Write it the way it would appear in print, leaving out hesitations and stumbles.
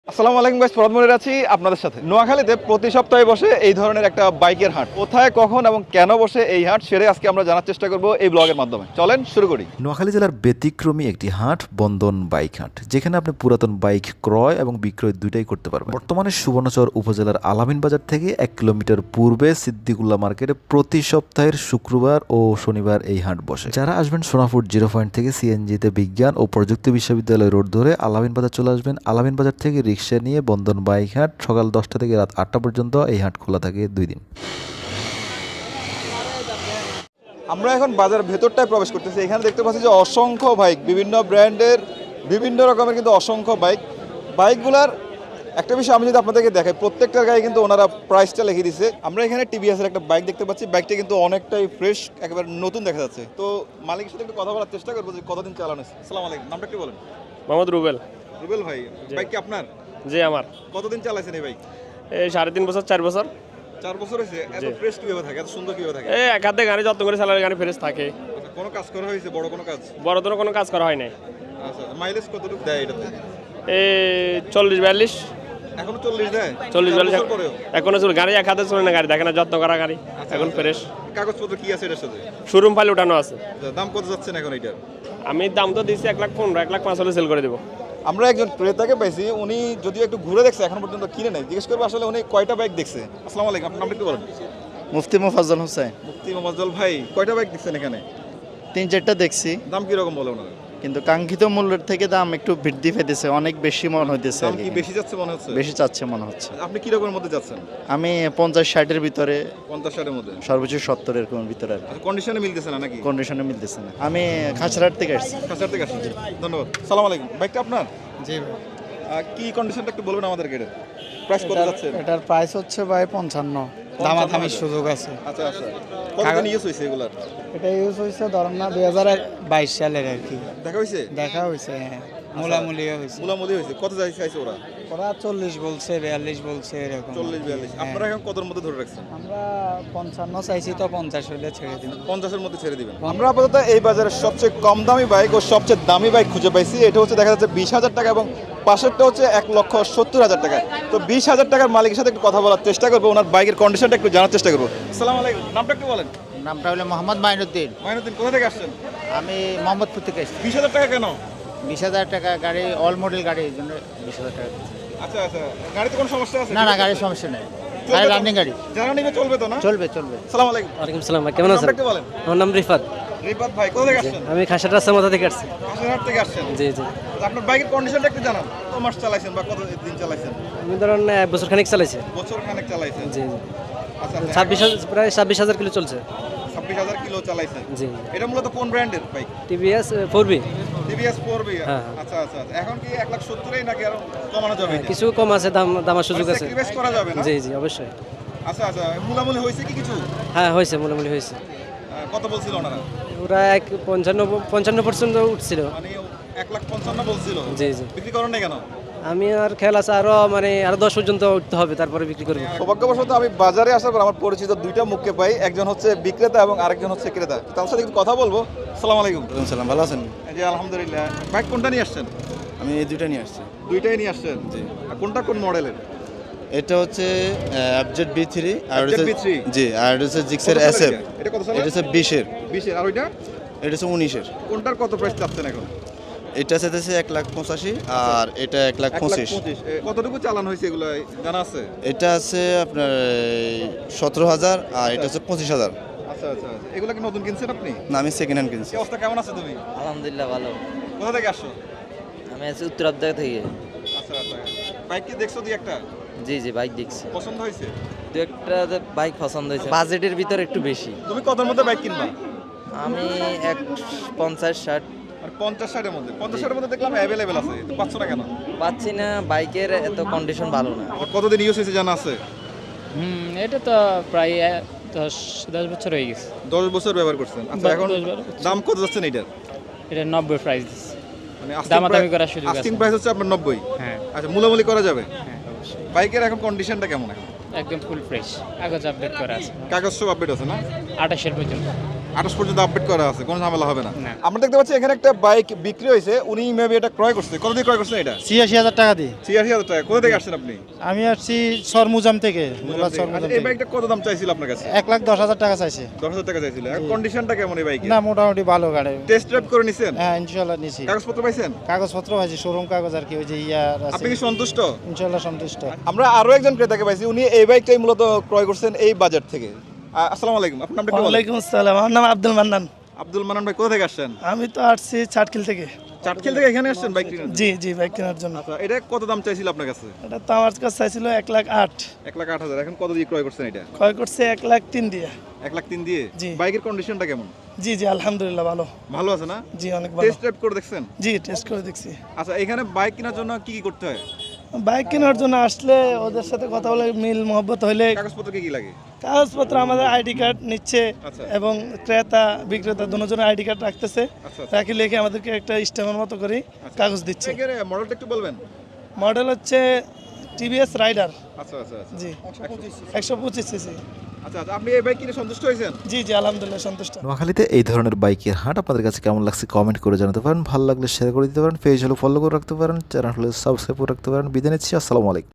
আসসালামু আলাইকুম গাইস, প্রথম মনে আছি আপনাদের সাথে। নোয়াখালীতে প্রতি সপ্তাহে বসে এই ধরনের একটা বাইকের হাট। কোথায়, কখন এবং কেন বসে এই হাট সেটাই আজকে আমরা জানার চেষ্টা করব এই ব্লগের মাধ্যমে। চলেন শুরু করি। নোয়াখালী জেলার ব্যতিক্রমী একটি হাট বন্ধন বাইক হাট, যেখানে আপনি পুরাতন বাইক ক্রয় এবং বিক্রয় দুইটাই করতে পারবেন। বর্তমানে সুবর্ণচর উপজেলার আলামিন বাজার থেকে 1 কিলোমিটার পূর্বে সিদ্দিকুল্লাহ মার্কেটে প্রতি সপ্তাহের শুক্রবার ও শনিবার এই হাট বসে। যারা আসবেন সোনাপুর 0 পয়েন্ট থেকে সিএনজিতে বিজ্ঞান ও প্রযুক্তি বিশ্ববিদ্যালয় রোড ধরে আলামিন বাজার চলে আসবেন। আলামিন বাজার থেকে রিক্সা নিয়ে বন্ধন বাইক হাট সকাল 10টা থেকে রাত 8টা পর্যন্ত এই হাট খোলা থাকে 2 দিন। আমরা এখন বাজার ভেতরটায় প্রবেশ করতেছি। এখানে দেখতে পাচ্ছি যে অসংখ্য বাইক, বিভিন্ন ব্র্যান্ডের বিভিন্ন রকমের কিন্তু অসংখ্য বাইকগুলার একটা বিষয় আমি যদি আপনাদেরকে দেখাই, প্রত্যেকটার গায়ে কিন্তু ওনারা প্রাইসটা লিখে দিয়েছে। আমরা এখানে টিভিএসের একটা বাইক দেখতে পাচ্ছি। বাইকটা কিন্তু অনেকটাই ফ্রেশ, একেবারে নতুন দেখা যাচ্ছে। তো মালিকের সাথে একটু কথা বলার চেষ্টা করবো যে কতদিন চালানো হয়েছে। আসসালামু আলাইকুম, নামটা কি বলেন? মোহাম্মদ রুবেল। রুবেল ভাই, বাইক কি আপনার? জি আমার। কতদিন চালাইছেন এই বাইক? এই 3.5 বছর 4 বছর। 4 বছর হয়েছে। এত ফ্রেশ কিভাবে থাকে, এত সুন্দর কিভাবে থাকে? এই এক হাতে গাড়ি যত্ন করে চালালে গাড়ি ফ্রেশ থাকে। আচ্ছা, কোনো কাজ করা হয়েছে, বড় কোনো কাজ? বড় ধরনের কোনো কাজ করা হয় নাই। আচ্ছা, মাইলেজ কতটুকু দেয় এটাতে? এই 40-42। এখনো 40 দেয়? 40-42 বছর পরেও? এখনো চলে গাড়ি এক হাতে চলে না, গাড়ি দেখে না, যত্ন করা গাড়ি এখন ফ্রেশ। কাগজপত্র কি আছে এটার সাথে? শোরুম ফাইল উঠানো আছে। দাম কত যাচ্ছেন এখন এটার? আমি দাম তো দিচ্ছি 1,15,000, 1,05,000 হলে সেল করে দেবো। আমরা একজন ক্রেতাকে পাইছি, উনি যদিও একটু ঘুরে দেখছে, এখন পর্যন্ত কিনে নাই। জিজ্ঞেস করবো আসলে উনি কয়টা বাইক দেখছে। আসসালামু আলাইকুম, আপনার নামটা একটু বলেন। মুফতি মোফাজ্জল হোসেন। মুফতি মোফাজ্জল ভাই, কয়টা বাইক দেখছেন এখানে? 3-4টা দেখছি, দাম কিরকম বলে ওনারা? কিন্তু কাঙ্ক্ষিত মূল্যের থেকে দাম একটু বৃদ্ধি পেতেছে, অনেক বেশি মনে হইতেছে। দাম কি বেশি যাচ্ছে মনে হচ্ছে? বেশি চাচ্ছে মনে হচ্ছে। আপনি কি রকমের মধ্যে যাচ্ছেন? আমি 50-60-এর ভিতরে, 50-60 এর মধ্যে, সর্বোচ্চ 70 এরকম ভিতরে আর আচ্ছা, কন্ডিশনে মিলতেছে না নাকি? কন্ডিশনে মিলতেছে না। আমি খাঁচড়ার থেকে আসছি। কাছার থেকে আসছেন? ধন্যবাদ। সালাম আলাইকুম, বাইকটা আপনার? জি কি কন্ডিশনটা একটু বলবেন আমাদেরকে। এটার প্রাইস কত যাচ্ছে? এটার প্রাইস হচ্ছে ভাই 55। দামাদামির সুযোগ আছে। আচ্ছা আচ্ছা, কতদিন ইউজ হয়েছে এগুলার? এটা ইউজ হয়েছে ধরেন না 2022 সালের আর কি। দেখা হয়েছে? দেখা হয়েছে, হ্যাঁ, মূলামূলিও হয়েছে। মুলামুলি হয়েছে। কত চাইছে ওরা? ওরা 40 বলছে, 42 বলছে, এরকম 40-42। হ্যাঁ। আপনারা এখন কতর মধ্যে ধরে রাখছেন? আমরা 55 চাইছি, তো 50 হইলে ছেড়ে দিব। 50-এর মধ্যে ছেড়ে দিবেন। আমরা আপাতত এই বাজারের সবচেয়ে কম দামি বাইক ও সবচেয়ে দামি বাইক খুঁজে পাইছি। এটা হচ্ছে দেখা যাচ্ছে 20,000 টাকা এবং পাশেরটা হচ্ছে 1,70,000 টাকা। তো 20,000 টাকার মালিকের সাথে একটু কথা বলার চেষ্টা করবো, ওনার বাইকের কন্ডিশনটা একটু জানার চেষ্টা করবো। আসসালামু আলাইকুম, নামটা একটু বলেন। নামটা হলো মোহাম্মদ মাইনুদ্দিন। মাইনুদ্দিন, কোথা থেকে আসছেন? আমি মোহাম্মদপুর থেকে এসেছি। 20,000 টাকা কেন? 20,000 টাকা গাড়ি, অল মডেল গাড়ি, এই জন্য 20,000 টাকা। আচ্ছা আচ্ছা, গাড়িতে কোনো সমস্যা আছে? না না, গাড়ির সমস্যা নেই, চলবে গাড়ি তো? রানিং গাড়ি, যারা নিবে চলবে তো না? চলবে চলবে। আসসালামু আলাইকুম। ওয়ালাইকুম সালাম ভাই, কেমন আছেন? নামটা একটু বলেন। আমার নাম রিফাত। রিফাত ভাই, কোথা থেকে আসছেন? আমি খাসার রাস্তার মাথা থেকে আসছি। কাশিরহাট থেকে আসছেন? জি জি। তো আপনার বাইকের কন্ডিশনটা একটু জানান। কত মাস চালাইছেন বা কত দিন চালাইছেন? আমি ধরুন 1 বছর খানিক চালাইছি। বছর খানেক চালাইছেন? জি জি। আচ্ছা আচ্ছা, 26,000 প্রায় 26,000 কিলো চলছে। 26,000 কিলো চালাইছেন? জি। এটা মূলত কোন ব্র্যান্ডের bike? TVS 4B। TVS 4B। হ্যাঁ। আচ্ছা আচ্ছা আচ্ছা। এখন কি 1,70,000 নাকি আরো কমানো যাবে এটা? কিছু কম আছে, দামার সুযোগ আছে। স্যাক্রিফাইস করা যাবে না? জি জি, অবশ্যই। আচ্ছা আচ্ছা, মুলামুলি হয়েছে কি কিছু? হ্যাঁ হয়েছে, মোটামুটি হয়েছে। কত বলছিল ওনারা? ওরা 55% উঠছিল। মানে 1,55,000 বলছিল? জি জি। বিক্রি করেন না কেন? আমি আর খেয়াল আছে আরো আরো 10 পর্যন্ত উঠতে হবে, তারপরে বিক্রি করবো। সৌভাগ্যবশত আমি বাজারে আসার পর আমার পরিচিত দুইটা মুখকে পাই, একজন হচ্ছে বিক্রেতা এবং আরেকজন হচ্ছে ক্রেতা। তার সাথে একটু কথা বলবো। আসসালামু আলাইকুম। সালাম, ভালো আছেন? জি আলহামদুলিল্লাহ। বাইক কোনটা নিয়ে আসছেন? আমি এই দুইটা নিয়ে আসছি। দুইটাই নিয়ে আসছেন? জি। আর কোনটা কোন মডেলের? এটা হচ্ছে FZ B3 আর FZ B3? জি, আর এটা হচ্ছে জিক্সের কত সালের SF। এটা? এটা কত সালের? এটা হচ্ছে 20-এর। 20-এর। আর ওইটা? এটা হচ্ছে 19-এর। কোনটার কত প্রাইস চাচ্ছেন এখন? এটা হচ্ছে 1,85,000 আর এটা 1,25,000। 1,25,000। কতটুকু চালান হয়েছে এগুলো জানা আছে? এটা আছে আপনার 17,000 আর এটা হচ্ছে 25,000। আচ্ছা আচ্ছা আচ্ছা। এগুলো কি নতুন কিনছেন আপনি? না, আমি সেকেন্ড হ্যান্ড কিনছি। কি অবস্থা, কেমন আছে তুমি? আলহামদুলিল্লাহ ভালো। কোথা থেকে আসছো? আমি আছি উত্তরাবদা থেকে। আচ্ছা আচ্ছা। বাইক কি দেখছো দুই একটা? জি জি, বাইক দেখছি। পছন্দ হয়েছে? দু একটা বাইক পছন্দ হয়েছে, বাজেটের ভিতর একটু বেশি। তুমি কতর মধ্যে বাইক কিনবা? আমি 50-60 আর 50-60-এর মধ্যে? 50-60-এর মধ্যে দেখলাম অ্যাভেলেবেল আছে, তো পাচ্ছ না কেন? পাচ্ছি না, বাইকের এত কন্ডিশন ভালো না। আর কতদিন ইউজ হয়েছে জানা আছে? এটা তো প্রায় 10 বছর হয়ে গেছে। 10 বছর ব্যবহার করছেন। আচ্ছা, এখন 10-12 বছর। দাম কত যাচ্ছেন এইটার? এটা 90 প্রাইস দিচ্ছে। মানে দামাদামি করার সুযোগ আছে। আস্কিং প্রাইস হচ্ছে আপনার 90? হ্যাঁ আচ্ছা, মূলামূলি করা যাবে? হ্যাঁ অবশ্যই, বাইকের এখন কন্ডিশনটা কেমন এখন? একদম ফুল ফ্রেশ, কাগজ আপডেট করা আছে। কাগজ সব আপডেট আছে না? 28-এর পর্যন্ত। 28 পর্যন্ত আপডেট করা আছে, কোনো ঝামেলা হবে না। আমরা দেখতে পাচ্ছি এখানে একটা বাইক বিক্রি হয়েছে, উনি মেবি এটা ক্রয় করছে। কত দিয়ে ক্রয় করছেন এটা? ৮৬,০০০ টাকা দিয়ে। ৮৬,০০০ টাকা। কোথা থেকে আসছেন আপনি? আমি আসছি সরমুজাম থেকে। আচ্ছা, এই বাইকটা কত দাম চাইছিল আপনার কাছে? ১,১০,০০০ টাকা চাইছে। 10,000 টাকা চাইছিল। কন্ডিশনটা কেমন এই বাইকের? না, মোটামুটি ভালো গাড়ি। টেস্ট ড্রাইভ করে নিছেন? হ্যাঁ, ইনশাল্লাহ নিছি। কাগজপত্র পাইছেন? কাগজপত্র পাইছি, শোরুম কাগজ আর কি, ওই যে ইয়ার আছে। আপনি কি সন্তুষ্ট? ইনশাল্লাহ সন্তুষ্ট। আমরা আরো একজন ক্রেতাকে পাইছি, উনি এই বাইকটাই মূলত ক্রয় করছেন এই বাজার থেকে। আসসালামু আলাইকুম, আপনার নামটা কি বলেন? ওয়ালাইকুম আসসালাম, আমার নাম আব্দুল মান্নান। আব্দুল মান্নান ভাই, কোথা থেকে আসছেন? আমি তো আসছি চাটখিল থেকে। চাটখিল থেকে এখানে আসছেন বাইক কিনতে? জি জি, বাইক কেনার জন্য। আচ্ছা, এটা কত দাম চাইছিল আপনার কাছে? এটা তো আমার কাছে চাইছিল 1,08,000। 1,08,000। এখন কত দিয়ে ক্রয় করছেন এটা? ক্রয় করছে 1,03,000 দিয়ে। 1,03,000 দিয়ে? জি। বাইকের কন্ডিশনটা কেমন? জি জি, আলহামদুলিল্লাহ ভালো। ভালো আছে না? জি, অনেক ভালো। টেস্ট ড্রাইভ করে দেখছেন? জি, টেস্ট করে দেখছি। আচ্ছা, এখানে বাইক কেনার জন্য কি কি করতে হয়? বাইক কেনার জন্য আসলে ওদের সাথে কথা বলে মিল মহব্বত হইলে কাগজপত্র কি কি লাগে? কাগজপত্র আমাদের আইডি কার্ড নিচ্ছে আচ্ছা। এবং ক্রেতা বিক্রেতা দুজনের আইডি কার্ড রাখতেছে। আচ্ছা। রাখি লিখে আমাদেরকে একটা স্ট্যাম্পের মতো করে কাগজ দিচ্ছে। বাইকের মডেলটা একটু বলবেন? মডেল হচ্ছে টিভিএস রাইডার। আচ্ছা আচ্ছা আচ্ছা। জি, 125 সিসি। আচ্ছা, আপনি এই বাইক কিনে সন্তুষ্ট হয়েছেন? জি জি, আলহামদুলিল্লাহ সন্তুষ্ট। নোয়াখালীতে এই ধরনের বাইকের হাট আপনাদের কাছে কেমন লাগছে কমেন্ট করে জানাতে পারেন। ভালো লাগলে শেয়ার করে দিতে পারেন, পেজ হলে ফলো করে রাখতে পারেন, চ্যানেল হলে সাবস্ক্রাইব করে রাখতে পারেন। বিদায় নিচ্ছি, আসসালামু আলাইকুম।